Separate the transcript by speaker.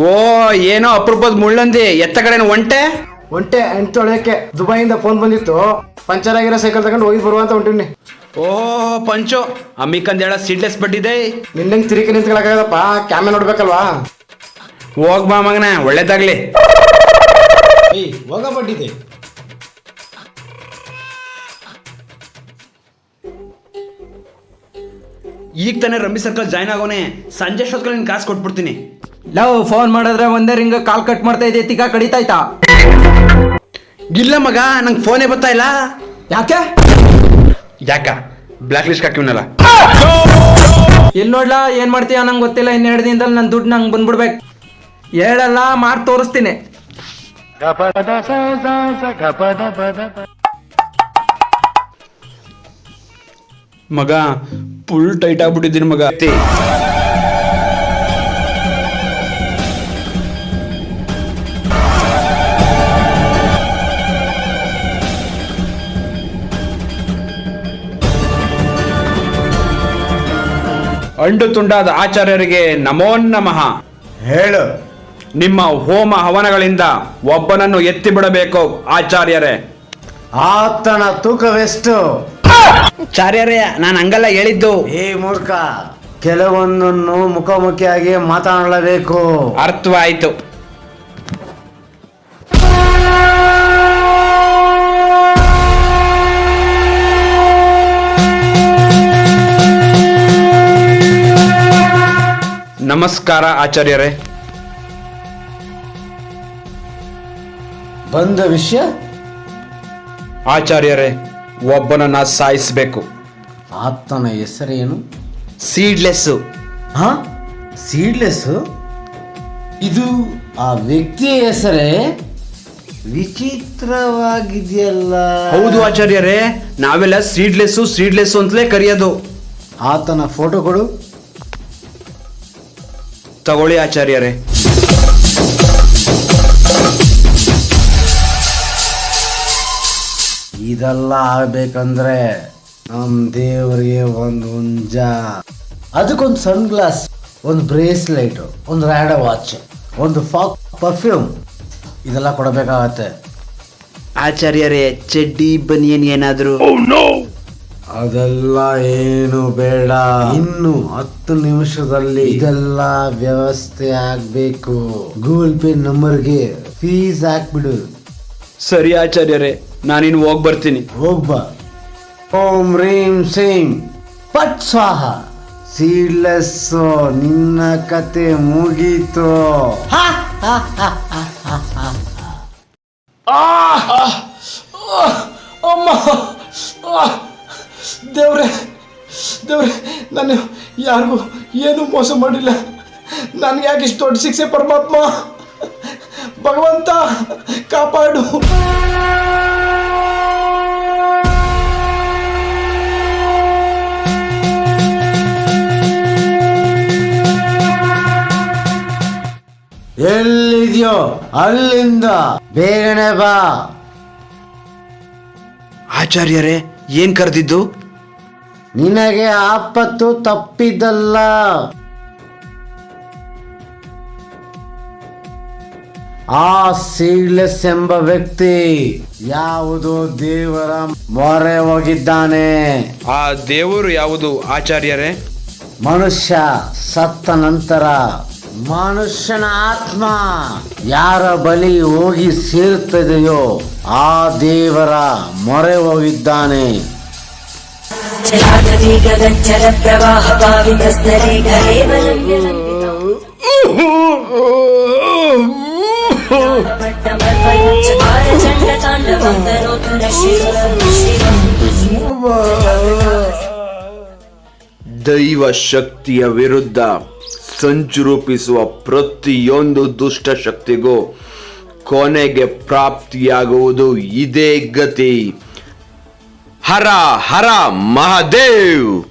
Speaker 1: ಓ ಏನೋ ಅಪರೂಪದ ಮುಳ್ಳಂದಿ ಎತ್ತ ಕಡೆನ ಒಂಟೆ
Speaker 2: ಎಂಟು ತೊಳೆಯಕ್ಕೆ ದುಬೈಯಿಂದ ಫೋನ್ ಬಂದಿತ್ತು, ಪಂಚರ್ ಆಗಿರೋ ಸೈಕಲ್ ತಗೊಂಡು ಹೋಗಿ ಬರುವಂತ ಹೊಂಟಿವ್ನಿ.
Speaker 1: ಓ ಪಂಚು ಅಮ್ಮಿಕಂದ ಹೇಳ ಸೀಡ್ಲೆಸ್ ಬಡ್ಡಿದೆ.
Speaker 2: ನಿನ್ನಂಗೆ ತಿರುಗಿ ನಿಂತ್ಕೊಳಕ್ಕಾಗದಪ್ಪ, ಕ್ಯಾಮೆ ನೋಡ್ಬೇಕಲ್ವಾ.
Speaker 1: ಹೋಗ್ ಬಾ ಮಗನ, ಒಳ್ಳೇದಾಗ್ಲಿ.
Speaker 2: ಹೋಗ ಬಡ್ಡಿದೆ.
Speaker 1: ಈಗ ತಾನೇ ರಮ್ಮಿ ಸರ್ಕಲ್ ಜಾಯ್ನ್ ಆಗೋನೆ, ಸಂಜೆ ಅಷ್ಟೊತ್ಕಲ್ಲಿ ನಿನ್ ಕಾಸು ಕೊಟ್ಬಿಡ್ತೀನಿ.
Speaker 3: ಲವ್ ಫೋನ್ ಮಾಡಿದ್ರೆ ಒಂದೇ ರಿಂಗ್ ಕಾಲ್ ಕಟ್ ಮಾಡ್ತಾ ಇದೆ, ತಿಕ್ಕ ಕಡಿತಾಯ್ತಾ?
Speaker 1: ಇಲ್ಲ ಮಗ, ನಂಗೆ ಫೋನೇ ಬರ್ತಾ ಇಲ್ಲ.
Speaker 3: ಯಾಕೆ?
Speaker 1: ಯಾಕ ಬ್ಲಾಕ್ ಲಿಸ್ಟ್ ಹಾಕಿವ್ನಲ್ಲ.
Speaker 3: ಎಲ್ಲಿ ನೋಡ್ಲಾ ಏನ್ ಮಾಡ್ತೀಯ ನಂಗೆ ಗೊತ್ತಿಲ್ಲ. 2 ದಿನದಲ್ಲಿ ನನ್ನ ದುಡ್ಡು ನಂಗೆ ಬಂದ್ಬಿಡ್ಬೇಕು. ಹೇಳಲ್ಲ, ಮಾಡಿ ತೋರಿಸ್ತೀನಿ.
Speaker 1: ಮಗ ಫುಲ್ ಟೈಟ್ ಆಗ್ಬಿಟ್ಟಿದ್ದೀನಿ ಮಗ. ಅಂಡು ತುಂಡಾದ ಆಚಾರ್ಯರಿಗೆ ನಮೋ ನಮಃ.
Speaker 2: ಹೇಳು.
Speaker 1: ನಿಮ್ಮ ಹೋಮ ಹವನಗಳಿಂದ ಒಬ್ಬನನ್ನು ಎತ್ತಿ ಬಿಡಬೇಕು ಆಚಾರ್ಯರೇ.
Speaker 2: ಆತನ ತೂಕವೆಷ್ಟು?
Speaker 1: ಆಚಾರ್ಯರೇ, ನಾನು ಹಂಗಲ್ಲ ಹೇಳಿದ್ದು.
Speaker 2: ಏ ಮೂರ್ಖ, ಕೆಲವೊಂದನ್ನು ಮುಖಾಮುಖಿಯಾಗಿ ಮಾತನಾಡಲೇಬೇಕು.
Speaker 1: ಅರ್ಥವಾಯ್ತು. ನಮಸ್ಕಾರ ಆಚಾರ್ಯರೇ.
Speaker 2: ಬಂದ ವಿಷಯ?
Speaker 1: ಆಚಾರ್ಯರೇ, ಒಬ್ಬನನ್ನ ಸಾಯಿಸಬೇಕು.
Speaker 2: ಆತನ ಹೆಸರೇನು?
Speaker 1: ಸೀಡ್ಲೆಸ್ಸು.
Speaker 2: ಹಾ, ಸೀಡ್ಲೆಸ್? ಇದು ಆ ವ್ಯಕ್ತಿಯ ಹೆಸರೇ? ವಿಚಿತ್ರವಾಗಿದೆಯಲ್ಲ.
Speaker 1: ಹೌದು ಆಚಾರ್ಯರೇ, ನಾವೆಲ್ಲ ಸೀಡ್ಲೆಸ್ಸು ಅಂತಲೇ ಕರೆಯೋದು.
Speaker 2: ಆತನ ಫೋಟೋ ಕೊಡು.
Speaker 1: ತಗೊಳ್ಳಿ ಆಚಾರ್ಯರೇ.
Speaker 2: ಇದೆಲ್ಲ ಆಗ್ಬೇಕಂದ್ರೆ ನಮ್ ದೇವರಿಗೆ ಒಂದು ಹುಂಜ, ಅದಕ್ಕೊಂದು ಸನ್ ಗ್ಲಾಸ್, ಒಂದು ಬ್ರೇಸ್ಲೈಟ್, ಒಂದು ರ್ಯಾಡ ವಾಚ್, ಒಂದು ಪರ್ಫ್ಯೂಮ್, ಇದೆಲ್ಲ ಕೊಡಬೇಕಾಗತ್ತೆ.
Speaker 1: ಆಚಾರ್ಯರೇ, ಚಡ್ಡಿ ಬನಿಯನ್ ಏನಾದ್ರು?
Speaker 2: ಅದೆಲ್ಲ ಏನು ಬೇಡ. ಇನ್ನು 10 ನಿಮಿಷದಲ್ಲಿ ಇದೆಲ್ಲ ವ್ಯವಸ್ಥೆ ಆಗ್ಬೇಕು. ಗೂಗಲ್ ಪೇ ನಂಬರ್ಗೆ ಫೀಸ್ ಹಾಕ್ಬಿಡು.
Speaker 1: ಸರಿ ಆಚಾರ್ಯರೇ, ನಾನಿನ್ನು ಹೋಗಿ ಬರ್ತೀನಿ.
Speaker 2: ಹೋಗ್ಬಾ. ಓಂ ರೀಂ ಸೀಂ ಪಟ್ ಸ್ವಾಹ. ಸೀಡ್ಲೆಸ್, ನಿನ್ನ ಕತೆ ಮುಗೀತು.
Speaker 3: ಅಮ್ಮ, ದೇವ್ರೆ ದೇವ್ರೆ, ನಾನು ಯಾರಿಗೂ ಏನು ಮೋಸ ಮಾಡಿಲ್ಲ. ನನಗೆ ಯಾಕೆ ಇಷ್ಟು ದೊಡ್ಡ ಶಿಕ್ಷೆ ಪರಮಾತ್ಮ? ಭಗವಂತ ಕಾಪಾಡು.
Speaker 2: ಎಲ್ಲಿದ್ಯೋ ಅಲ್ಲಿಂದ ಬೇಗನೆ ಬಾ.
Speaker 1: ಆಚಾರ್ಯರೇ, ಏನ್ ಕರೆದಿದ್ದು?
Speaker 2: ನಿನಗೆ ಆಪತ್ತು ತಪ್ಪಿದ್ದಲ್ಲ. ಆ ಸೀಡ್ಲೆಸ್ ಎಂಬ ವ್ಯಕ್ತಿ ಯಾವುದೋ ದೇವರ ಮೊರೆ ಹೋಗಿದ್ದಾನೆ.
Speaker 1: ಆ ದೇವರು ಯಾವುದು ಆಚಾರ್ಯರೇ?
Speaker 2: ಮನುಷ್ಯ ಸತ್ತ ನಂತರ ಮನುಷ್ಯನ ಆತ್ಮ ಯಾರ ಬಳಿ ಹೋಗಿ ಸೇರುತ್ತದೆಯೋ ಆ ದೇವರ ಮೊರೆ ಹೋಗಿದ್ದಾನೆ.
Speaker 4: ಜಲಾಧೀಗಗಜ್ಜಲ ಪ್ರವಾಹ ಪಾವಿತಸ್ತರೇ ಗಲೇವಲಂ
Speaker 1: ದೈವ ಶಕ್ತಿಯ ವಿರುದ್ಧ ಸಂಚು ರೂಪಿಸುವ ಪ್ರತಿಯೊಂದು ದುಷ್ಟ ಶಕ್ತಿಗೂ ಕೊನೆಗೆ ಪ್ರಾಪ್ತಿಯಾಗುವುದು ಇದೇ ಗತಿ. ಹರ ಹರ ಮಹಾದೇವ್.